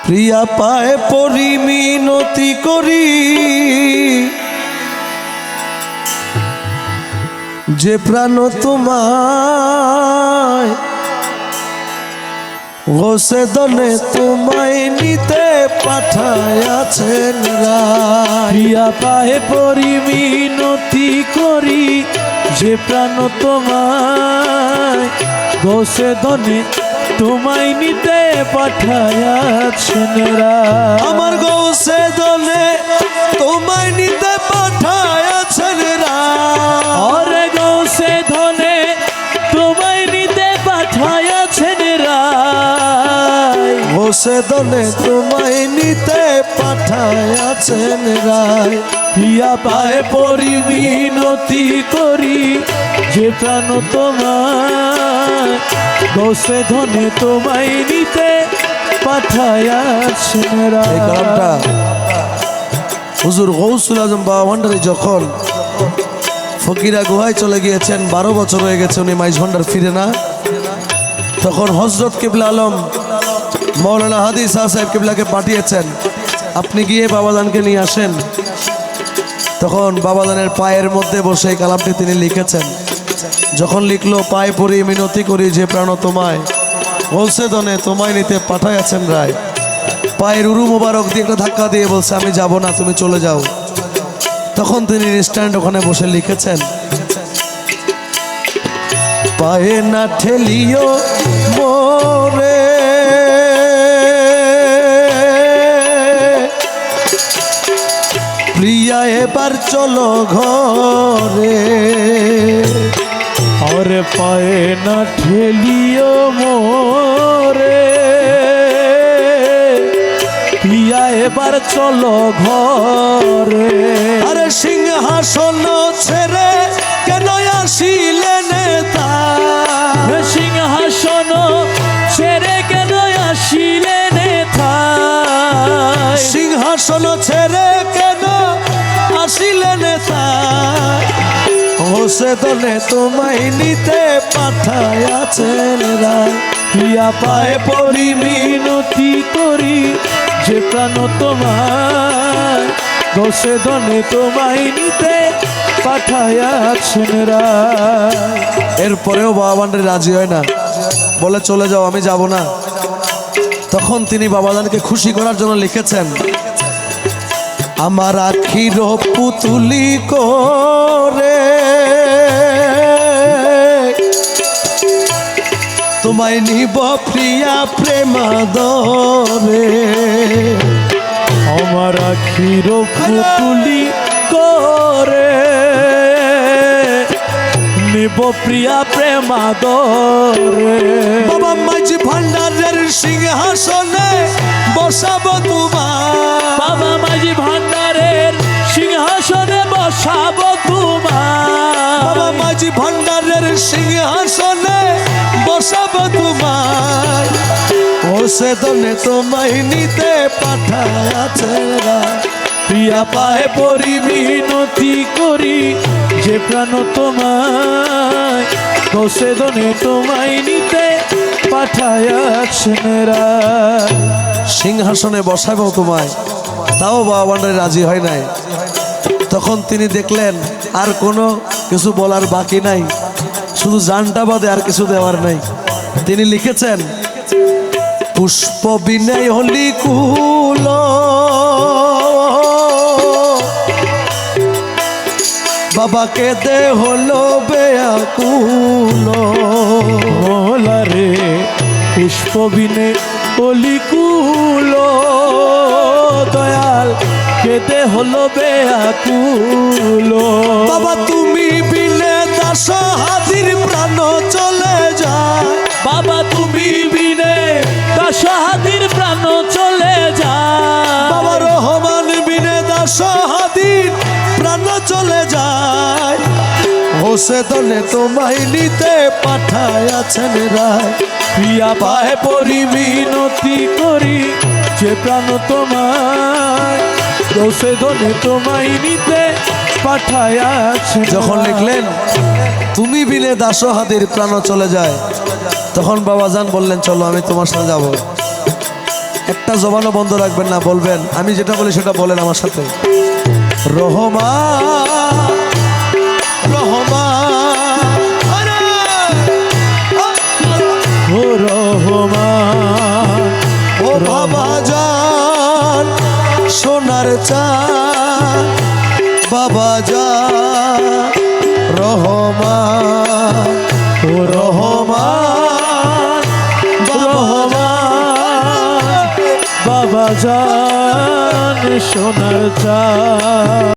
প্রিয়া পায়ে পরি মিনতি করি যে প্রাণ তোমায় গোসে দনে তোমায় নিতে পাঠায়াছেন প্রিয়া পায়ে পরি মিনতি করি যে প্রাণ তোমায় গোসে দনে তোমায় নিতে পাঠায়াছেন আমার গোসে দনে তোমায় নিতে পাঠায়াছেন ওরে গোসে ধনে তোমায় নিতে পাঠায়াছেন গোসে দনে তোমায় নিতে পাঠায়াছেন প্রিয়া পায়ে পরি মিনতি করি যে প্রাণ তোমায় গোসে ধনে তোমায় নিতে পাঠায়াছেন এই কালামটা হুজুর গৌসুল আজম বাবা ভান্ডারী যখন ফকিরা গুহায় চলে গিয়েছেন, 12 বছর হয়ে গেছে উনি মাইজ ভান্ডার ফিরে না, তখন হযরত কিবলা আলম মৌলানা হাদি শাহ সাহেব কিবলাকে পাঠিয়েছেন, আপনি গিয়ে বাবাজানকে নিয়ে আসেন। তখন বাবাজানের পায়ের মধ্যে বসে এই কালামটি তিনি লিখেছেন। যখন লিখলো, পায়ে পড়ি মিনতি করি যে প্রাণ তোমায় বলছে দনে তোমায় নিতে পাঠাইয়াছেন রায়, পায়ের উরু মোবারক দিয়ে একটা ধাক্কা দিয়ে বলছে আমি যাব না, তুমি চলে যাও। তখন তিনি স্ট্যান্ড ওখানে বসে লিখেছেন, পায়ে না ঠেলিও মোরে প্রিয়া এবার চলো ঘরে, ওরে পায়ে না ঠেলিও মোরে প্রিয়া এবার চলো ঘরে। আরে সিংহাসন ছেড়ে কেন আসিলে নেতা, সিংহাসন ছেড়ে কেন আসিলে নেতা, সিংহাসন ছেড়ে কেন আসিলে নেতা, হোসে দলে তোমায় নিতে পাঠায়াছেন রায়, প্রিয়া পায়ে পড়ি মিনতি করি যে প্রাণ তোমায় গোসে দনে তোমায় নিতে পাঠায়াছেন রায়। এরপরেও বাবা ভান্ডারী রাজি হয় না, বলে চলে যাও, আমি যাব না। তখন তিনি বাবাজানকে খুশি করার জন্য লিখেছেন, আমার আখির পুতুলি করে তোমায় নিব প্রিয়া প্রেমাদরে, আমার আখির পুতুলি করে নিব প্রিয়া প্রেমাদরে, বাবা মাঝি ভান্ডারের সিংহাসনে বসাবো তোমার, বাবা মাঝি ভান্ডারের সিংহাসনে বসাবো তোমার, বাবা মাঝি ভান্ডারের সিংহাসনে বসাবো তোমার, হোসে দনে তোমায় নিতে পাঠায়াছেন রায়, প্রিয়া পায়ে পড়ি মিনতি করি যে প্রাণ তোমায় গোসে দনে তোমায় নিতে পাঠায়াছেন রায়। সিংহাসনে বসাবো তোমায়, তাও বাবা ভান্ডারী রাজি হয় নাই। তখন তিনি দেখলেন আর কোনো কিছু বলার বাকি নাই, শুধু জানটা বাদে আর কিছু দেওয়ার নাই। তিনি লিখেছেন, পুষ্প বিনয় হলি কুল বাবাকে দে হলো বেয়াকুল, মোলারে পুষ্প বিনে অলিকুল দয়াল কেতে হলো বেয়াকুল, বাবা তুমি বিনে দাস হাজির প্রাণ চলে যায়, বাবা তুমি বিনে দাস হাজির প্রাণ চলে যায়, বাবা রহমান বিনে দাস হাজির প্রাণ চলে যায়, হোসে দলে তোমায় নিতে পাঠায়াছেন রায়, প্রিয়া পায়ে পড়ি মিনতি করি যে প্রাণ তোমায় গোসে দলে তোমায় নিতে পাঠায়াছেন। যখন লিখলেন তুমি বিনে দাসহাদের প্রাণ চলে যায়, তখন বাবাজান বললেন চলো আমি তোমার সাথে যাব। একটা জবানও বন্ধ রাখবেন না, বলবেন আমি যেটা বলি সেটা বলেন আমার সাথে। রহমান রহমান ও রহমান ও বাবা জান সোনার চাঁদ বাবা জান রহমান ও রহমান রহমান বাবা জান সোনার চা